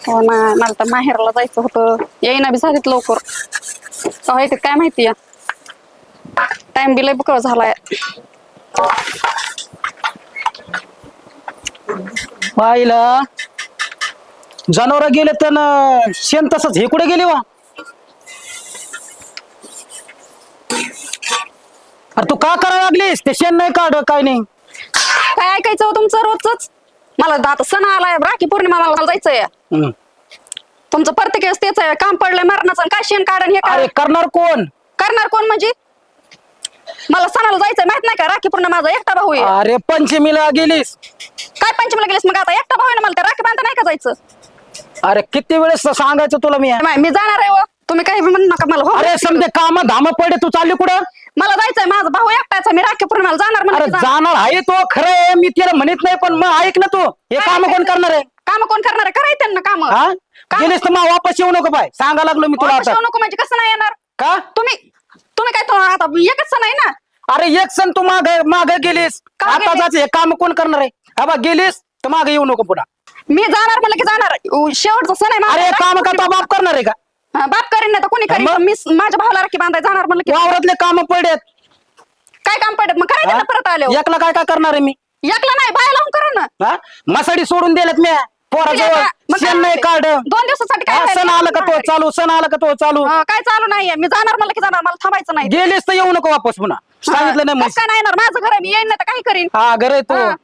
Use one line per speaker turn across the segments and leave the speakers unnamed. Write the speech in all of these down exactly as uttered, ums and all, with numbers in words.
हो ना, मला तर माहेरला जायचं होतं. येईना बी झालीत लवकर. कवा येते काय माहिती. टाइम बी लय बुकळ झालाय.
पाहिलं जनावर गेले तर शेण तसंच हे कुठे गेले वा. अरे तू का करायला लागलीस ते शेण नाही काढ काय नाही.
काय ऐकायचं हो तुमचं रोजच. मला आता सण आलाय, राखी पौर्णिमा, मला जायचंय.
हम्म.
तुमचं प्रत्येक वेळेस तेच आहे, काम पडलंय मरणाचं आणि काय शेण काढण हे
अरे
काय
करणार कोण.
करणार कोण म्हणजे. मला सणाला जायचंय माहित नाही का, राखी पौर्णिमा माझा एकटा भाऊ आहे.
अरे पंचमीला गेलीस.
काय पंचमीला गेलीस मग, आता एकटा भाऊ आहे ना मला, त्या राखी बांधता नाही का जायचं.
अरे किती वेळेस सांगायचं तुला मी.
नाही, मी जाणार आहे हो. तुम्ही काही म्हणू नका मला. हो
अरे समजे काम धाम पडे तू चालली कुठं.
मला जायचंय, माझा भाऊ एकटाच आहे, मी राखी पौर्णिमाला जाणार
अरे
म्हणजे
जाणार आहे तो खरं आहे, मी त्याला म्हणत नाही, पण मग ऐक ना तू हे काम कोण करणार आहे.
काम कोण करणार आहे, करायचं त्यांना काम.
हा गेलीस तर मग वापस येऊ नको बाय, सांगा लागलो मी तुला आता.
नको म्हणजे कसं नाही येणार
का
तुम्ही. तुम्ही काय तो आता एकच सण आहे ना.
अरे एक सण तू माग माग गेलीस,
का
आता
गेलीस?
जायचं हे काम कोण करणार आहे. हा बा गेलीस तर मागे येऊ नको पुन्हा.
मी जाणार म्हणलं की जाणार. उ, शेवटचा सण आहे माझा.
अरे काम करता बाप करणार आहे का.
हा, बाप करीन नाही तर कोणी करीन,
मग?
पण मी माझ्या भावाला राखी बांधाय जाणार म्हणलं की
वावरातले काम पडेत.
काय काम पडत मग करायचं ना परत आले.
एकला काय काय करणार आहे मी.
एकला नाही, बाया लावून करा ना.
हा मसाडी सोडून दिलेत मी पोराजवळ.
मग काय
शेण नाही
म्हणते?
काढ.
दोन दिवसासाठी काय
हा,
राहिलं?
सण आलं का तो चालू, सण आलं का तो चालू.
हा, काय चालू नाहीये. मी जाणार म्हणलं की जाणार, मला थांबायचं नाही.
गेलीस तर येऊ नको वापस पुन्हा, सांगितलं नाही
कसं
मग.
काय नाही येणार, माझं घर आहे, मी येईन नाही तर काही करीन.
हा घर आहे तू.
हा,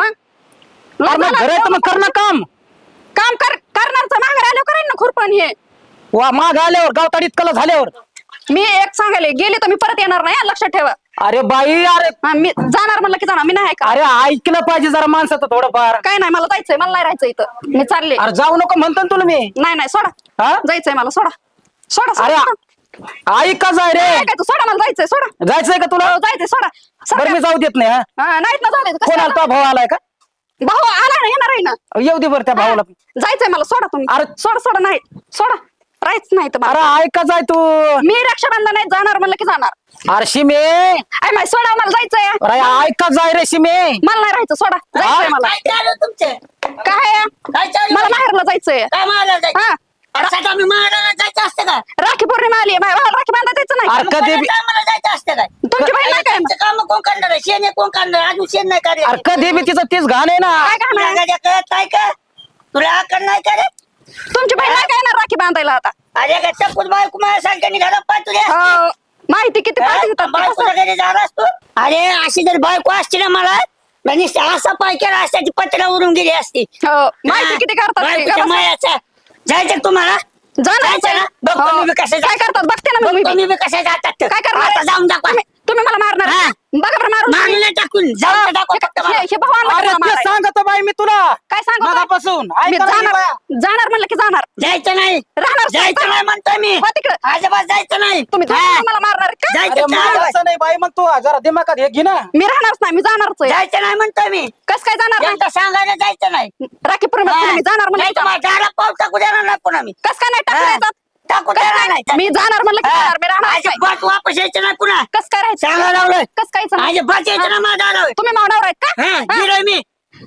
मग
अरे मग घर आहे तर मग कर ना काम.
काम कर करणारचं माघार आल्यावर करेन ना खुरपण हे.
वा माग आल्यावर गावताडीत कला झाल्यावर.
मी एक सांगायले गेले तर मी परत येणार नाही, हा, लक्षात ठेवा.
अरे बाई अरे
हा, मी जाणार म्हणलं की जाणार, मी नाही का.
अरे ऐकलं पाहिजे जरा माणसाचं थोडंफार.
काय नाही, मला जायचंय, मला नाही राहायचं इथं, मी चालले.
अरे जाऊ नको म्हणतो ना तुला मी.
नाही नाही सोडा,
हा
जायचंय मला, सोडा सोडा
अरे
सोडा.
ऐक का जाय रे.
काय काय तू सोडा, मला जायचंय, सोडा.
जायचंय का तुला.
हो, जायचंय, सोडा
बरं मी
सोडा.
जाऊ देत नाही. हा
हा, नाहीत ना झाले
कोण आला तो भाऊ आलाय का.
भाऊ आला ना, येणार आहे ना.
येऊ दे बरं त्या भावाला.
जायचंय मला, सोडा तुम्ही.
अरे
सोडा सोडा, नाही सोडा, राहायच नाही तर
अरे
मला.
ऐक का जाय तू.
मी रक्षाबंधन नाही जाणार म्हणलं की जाणार.
अरे शिमे
अय माय सोडा, मला जायचंय.
अरे ऐक का जाय रे शिमे.
मला नाही राहायचं, सोडा, जायचंय मला.
काय चालू तुमचं
काय आहे?
काय चालू
मला माहेरला जायचंय.
काय मारायला जायचं
हा,
अरे सकाळ मी मारायला जायचं असतं का
राखी पौर्णिमा आली, माझ्या भावाला राखी बांधा जायचं नाही.
अरे कधी बी-
मला जायचं असतं काय
तुमची बहीण नाही काय.
काम कोण करणार आहे शेण कोण करणार आहे? अजून शेण नाही
अरे
काढलं
कधी बी तिचं तीच घाण आहे ना.
काय काम आहे?
तुला कळत नाही का तुला आकड नाही का रे
तुमची बहीण नाही काय येणार राखी बांधायला आता.
अरे का चपूत बायको माझ्या सारख्या निघाला पाय तुझ्या
हो, माहिती किती पाहिजे होतं ते
बायकोच्या
कसं.
घरी जाणार असतो अरे अशी जर बायको असती ना मला म्हणजे असा पाय केला असता ती पत्रा उडून गेली असती
हो, माहिती किती करतात ते.
बायकोच्या
गप्प बसा.
मायाचा जायचं का तुम्हाला
जाणार
जायचं ना? बघ
हो.
तुम्ही बी कसे
काय करतात बघते ना मी.
तुम्ही बी कसे जातात ते.
काय करणार
आता
आहे?
जाऊन दाखवा
तुम्ही- तुम्ही मला मारणार
हा.
बघा बरं मारून.
मारलं टाकून जाऊन तर दाखवा फक्त मला.
हे हे भगवान
अरे ते सांगतो बाई मी तुला
काय सांगू तो?
मगापासून. ऐक
मी
ना
जाणार
बाया.
जाणार म्हणलं की जाणार.
जायचं नाही
राहणार
जायचं नाही म्हणतोय मी
हो तिकडे.
अजिबात जायचं नाही
तुम्ही
हा.
दोघं मला मारणार का?
जायचं
अरे
नाही.
मारायचं नाही बाई मग तू जरा दिमागात हे घे ना.
मी राहणारच नाही, मी जाणारच आहे.
जायचं नाही म्हणतोय मी
कस काय जाणार नाही?
यांचं सांगायला जायचं नाही
राखी पौर्णिमा मी जाणार म्हणलं
नाही
की
तर
जाणार.
मला दारात पाऊल टाकू देणार नाही पुन्हा मी
कस काय नाही टाकलं
हा.
याच्यात?
टाकू
कस
देणार
काय?
नाही
मी जाणार म्हणलं की जाणार, मी राहणार नाही.
अजिबात वापस यायचं नाही पुन्हा
कस काय राहायचं?
सांगायला लावलंय
कस काय जाणार?
अजिबात यायचं ना माझ्या दारावर
तुम्ही मावणार आहेत का?
हा
हा.
गेलोय मी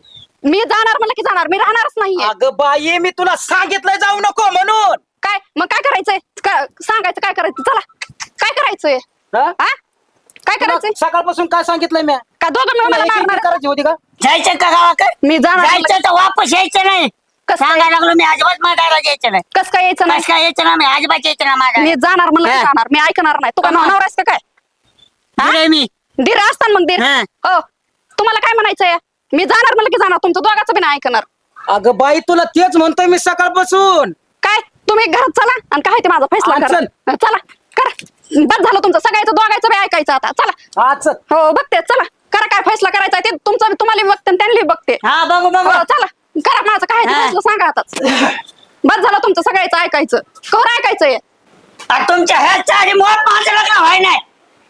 मी जाणार म्हणलं की जाणार, मी राहणारच नाहीये.
अगं बाई मी तुला सांगितलंय जाऊ नको म्हणून.
काय मग काय करायचंय? का- सांगायचं काय करायचं? चला काय करायचंय?
हा?
हा काय
तुला
करायचंय?
सकाळपासून काय सांगितलंय मी.
का दोघं मिळून मला
एक- एक- एक
मारणार?
करायची होती का.
जायचं का गावाकडे
मी जाणार म्हणलं
जायचं तर वापस यायचं नाही
कसं काय?
सांगायला लागलो मी अजिबात माझ्या दारात यायचं नाही
कस काय यायचं नाही?
कस काय यायचं ना मी अजिबात यायचं ना माझ्या
मी जाणार म्हणलं की
हा.
जाणार, मी ऐकणार नाही. तू का
हा.
नवरास का काय?
गेलोय मी
धीर असताना मग धीर.
हा.
हो तुम्हाला काय म्हणायचंय? मी जाणार म्हणलं की जाणार, तुमचं दोघांचं बी नाही ऐकणार.
अगं बाई तुला तेच म्हणतोय मी सकाळपासून.
काय तुम्ही घरात चला आणि काय ते माझा फैसला
हा,
करा.
चल.
हा, चला करा, बस झालं तुमचं सगळ्याचं दोघांचं बी ऐकायचं आता. चला
आज
हो बघते, चला करा काय फैसला करायचा आहे ते तुमचा बी तुम्हाला बी बघते आणि त्यांना बी बघते.
हा बघू बघू
हो, चला करा माझं काय ते
हा.
फैसला सांगा आताच. बस झालं तुमचं सगळ्याचं ऐकायचं. कवर ऐकायचंय
आणि तुमच्या ह्या चारी मुळात माझं लग्न व्हाय नाही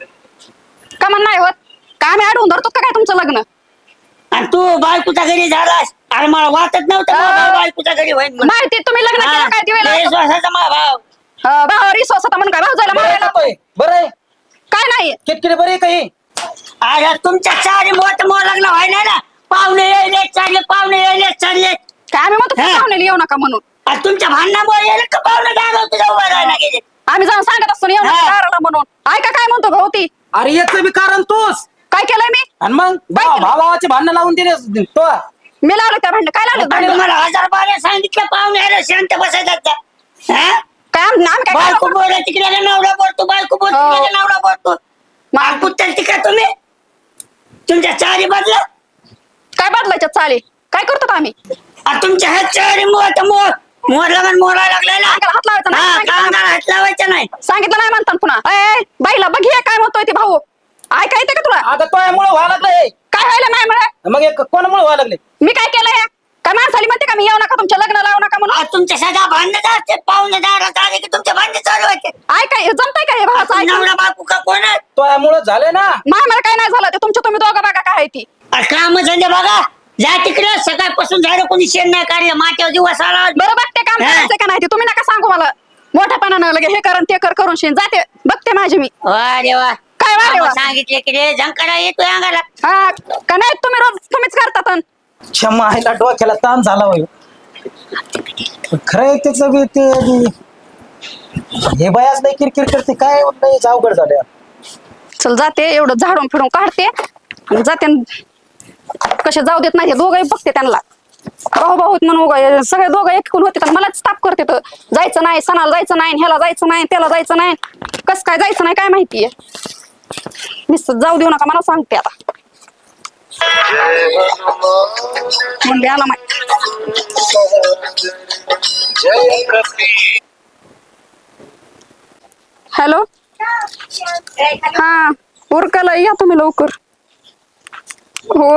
का म्हण नाही होत? का आम्ही अडवून धरतो का काय तुमचं लग्न?
आणि तू बायकोच्या घरी झालास आणि मला वाटत नव्हतं
अं.
माझा भाऊ बायकोच्या घरी होईल म्हणून.
माहिती तुम्ही लग्न केलं काय ते
हा,
वेळेला?
लय विश्वासाचा माझा भाव
अं, भावावर विश्वास होता म्हणून काय भाऊ जायला
बरं आहे
मारायला?
का तोय? बरं आहे
काय नाही
किटकिट बरी आहे काही.
अरे तुमच्या चारी मोठ मोठ लग्न व्हाय नाही ना पाहुणे यायले चालले पाहुणे यायले चालले
काय आम्ही म्हणतो
हा.
पाहुणे येऊ नका म्हणून.
आणि तुमच्या भांडणामुळे यायला का पाहुणे दारावर तुझ्या उभा राहायला गेले
आम्ही जाऊन सांगत असतो ना येऊ नका
हा.
दाराला म्हणून. ऐका काय म्हणतो भाऊ ती.
अरे याचं बी कारण तूच.
काय केलंय मी?
आणि मग
काय केलं?
भावाचे भांडण लावून दिले तो.
मी लावलं त्या भांडण. काय लावलं
आणि
भांडण?
तुम्हाला हजार बारा सांगितलं पाहुणे यायला शांत बसायचं हा
काय आम- आम्ही काय
बायको
केलं?
बोला तिकडे नवरा बोलतो बायको बोल
हो.
तिकडे नवरा बोलतो मग पुत्तर तिकडे तुम्ही तुमच्या चारी बदला
काय बदलायच्या चाली? काय करतो आम्ही?
आ, तुमच्या हात चारी मोठ मोर मोर लगन मोरायला लागलाय ना
अंगाला हात लावायचा नाही.
हा
सांगितलं
कांदा हात लावायचा नाही
सांगितलं नाही म्हणतात पुन्हा. ए, ए, बाईला बघ हे काय म्हणतोय ते भाऊ. ऐका येते का तुला?
आता तोयामुळे व्हायला लागलंय.
काय व्हायला नाही म्हणा.
मग एक कोणामुळे व्हायला लागले?
मी काय केलंय? काय माणसाली म्हणते का मी येऊ नका तुमच्या लग्न लावू नका म्हणून?
आ, तुमच्या सदा भांडणं असते पाहुणे दारात आले की तुमचे भांडण चालू व्हायचे
ऐकाय जमतंय का हे भावाचं ऐकून?
नवरा बायको का कोण आहे
तोयामुळे झाले ना.
मला काय नाही झालं ते तुमच्या तुम्ही दोघं बघा काय आहे ती.
काम धंदे बघा जा तिकडे सकाळपासून झालं कोणी शेण नाही काढलं माथ्यावर दिवस आला
बरं बघते काम
हा.
करायचं का नाही ते तुम्ही नका सांगू मला. मोठ्यापणानं लगे हे कर ते कर करून शिन जाते बघते माझी मी.
वा रे वा
काय वा रे वा?
सांगितले की रे झंकारा येतोय अंगाला
हा का नाही तुम्ही रोज तुम्हीच करतात अन.
क्षमा आईला डोक्याला ताण झाला होय. खरंय त्याचं बी ते हे बायाच नाही किरकिर करते काय नाही अवघड झालं.
चल जाते एवढं झाडून फिरून काढते आणि जाते न कसे जाऊ देत नाही दोघंही बघते त्यांना. भाऊ भाऊ म्हणून उगा सगळे दोघं एकूण होते तर मलाच ताप करते तर जायचं नाही सणाला जायचं नाही ह्याला जायचं नाही त्याला जायचं नाही कस काय जायचं नाही काय माहितीये. नुसतं जाऊ देऊ नका मला सांगते आता. म्हणले आला माहिती. हॅलो हा उरकाला या तुम्ही लवकर. हो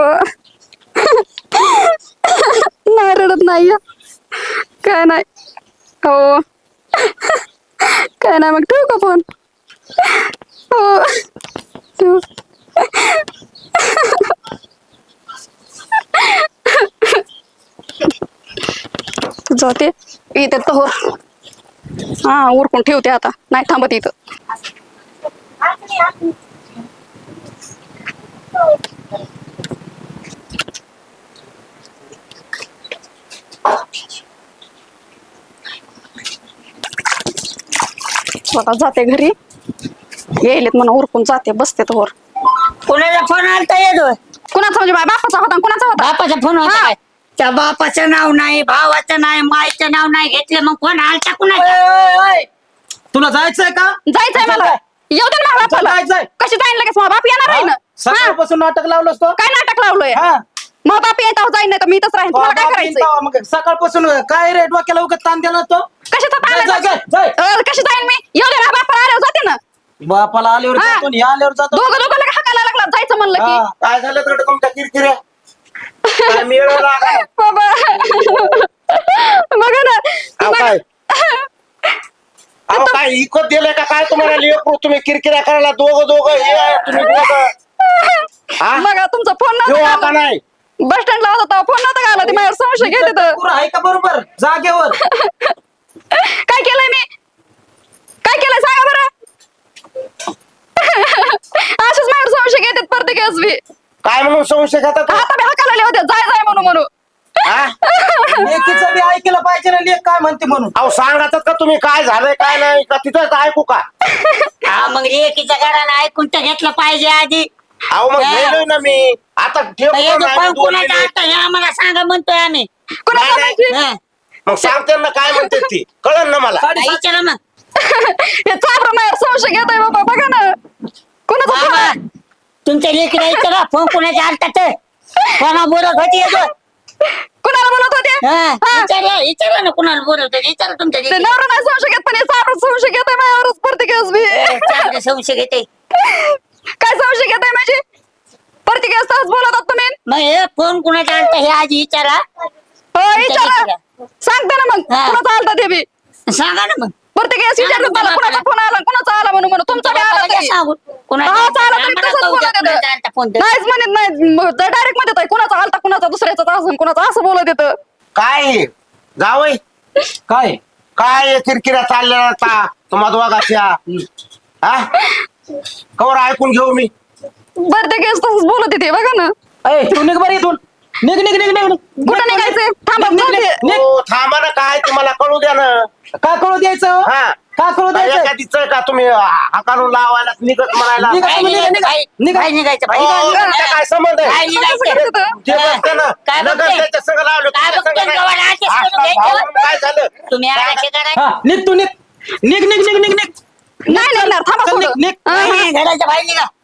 नाही रडत नाही या. काय नाही हो काय नाही मग ठेवू का फोन. हो ठेवू. जाते इथे तो हा उरकून ठेवते आता नाही थांबत इथं. स्वतः जाते घरी येईलेत म्हणून उरकून जाते बसते तर वर.
कोणाचा फोन आलता येतो
कुणाचा म्हणजे माझ्या बापाचा होता आणि कुणाचा होता?
बापाचा फोन होता
हा.
काय त्या बापाचं नाव नाही भावाचं नाही मायचं नाव नाही घेतलं मग फोन आलता कुणाचा
ओय, ओय, ओय. तुला जायचंय का?
जायचंय मला. येऊ दे ना माझ्या बापाला.
जायचंय.
कशी जाईन लगेच माझा बाप येणार आहे ना.
हा?
हा.
सकाळपासून नाटक लावलंस तो.
काय नाटक लावलोय?
हा.
मग बाप येत जाईन नाही तर मी इथंच राहीन. तुम्हाला काय
बाप
करायचंय?
येईन तेव्हा मग सकाळपासून काय रे डोक्याला उगत ताण दिला तो.
कशाचा ताण
जाय,
आहे?
जाय, जाय, जाय.
अ, कशी जाईन मी? येऊ दे ना बापाला आल्यावर जाते ना.
बापाला आल्यावर
हा.
जातो आणि ह्या आल्यावर जातो.
दोघं दोघं लगे हाकायला लागला जायचं म्हणलं की.
हा. काय झालं तर तुमच्या किरकिऱ्या काय मिळवला लागला?
बाबा बघा ना
अहो काय अहो काय इकत दिले का काय तुम्हाला लेकरू तुम्ही किरकिऱ्या करायला दोघं दोघं हे आहे, तुम्ही दोघं हा?
बघा तुमचा फोन
घेऊ
नव्हता
आता
आला.
नाही
बस स्टँडला होता फोन नव्हता का आला ते माझ्यावर संशय घेते तर.
पुरं आहे का बरोबर जागेवर?
काय केलंय मी? काय केलंय सांगा बरं. असेच माझ्यावर संशय घेतात प्रत्येक बी.
काय म्हणून संशय घेतात
आता मी हाकाला होते जाय जाय म्हणून म्हणून.
हा?
लेकीचं बी ऐकलं पाहिजे ना लेक काय म्हणते म्हणून.
अहो सांगतात का तुम्ही काय झालंय काय नाही का तिथंच ऐकू का
हा मग लेकीच्या घराला ऐकून तर घेतलं पाहिजे आधी
अहो मग
हा.
गेलोय ना मी आता ठेवतो
हे
ना आम्ही
पण
दोन
कोणाचा
मिनिट.
अर्थ हे आम्हाला सांगा म्हणतोय आम्ही
कुणाला
नाही,
माहिती?
हा.
मग सांगते ना काय म्हणते ती कळलं ना मला
साडेसात-
विचारा मग
हे चाबर माझ्यावर संशय घेतोय बाबा बघा ना. कुणाचा फोन
बाबा
आहे?
तुमच्या लेकीला विचारा फोन कोणाच्या आलता तर कोणा बोलत होती येतो
कुणाला बोलत होते?
हा,
हा.
विचारा विचारा ना कुणाला बोलत होती विचारा तुमच्या
ते
लेकीला.
नवरा नाही संशय घेत पण हे चाबर संशय घेतोय माझ्यावरच प्रत्येक बी.
ए, चांगलं संशय घेते
काय संशय घेताय माझी? प्रत्येक तास बोलतात तुम्ही.
मग हे फोन कुणाचा आलता हे आधी विचारा
हो विचारा
लेकीला.
सांगते ना मग
हा.
कुणाचा आलता ते बी.
सांगा ना मग
प्रत्येक वेळेस विचारतात
सांगा
मला
ना
कुणाचा
बापाला.
फोन आला कुणाचा आला म्हणून म्हणून तुमचा बी आला
बापाला
तरी.
सांगू कुणाचा
हा,
आलता.
चालेल, तरी
आम्हाला
तसंच
कळू द्या
बोलत
कुणाचा
येतं.
आलता फोन तर.
नाहीच म्हणत नाही डायरेक्ट मध्ये येतोय कुणाचा आलता कुणाचा दुसऱ्याचा असून कुणाचा असं बोलत येतं.
काय हे? जावई
काय
काय हे किरकिऱ्या चालल्या आता तुम्हा दोघाच्या हा कवर ऐकून घेऊ मी
प्रत्येक वेळेस तसंच बोलत येते बघा ना.
अय तू निघ बरं इथून. निघ निघ निघ निघ
कुठं निघायचंय थांबा
निघ, निघ,
जाते.
निघ.
हो थांबा ना काय तुम्हाला कळू द्या ना
का कळू द्यायचं
हा
का कळू द्यायचं
एखादीच का तुम्ही हाकारून लावायला निघत म्हणायला
निघा.
बाहेर
निघा,
निघायचं
निघा.
बाहेर
निघा.
बाहेर निघायचं
हो,
बाहेर
त्याचा काय संबंध आहे
बाहेर निघायचं
ते बघते ना
काय
नगर
बघते?
त्याच्या संग लावलं
काय
तुमच्या
बघते?
संग काय?
गव्हाण आरतीच
हा,
करून घ्यायचं.
भाऊ, काय झालं
तुम्ही असे करायचं
हा निघ तू निघ निघ निघ निघ निघ निघ
नाही निघणार थांबा
चल, निघ,
थोडं.
निघ.
हा, हा.
घराच्या बाहेर निघा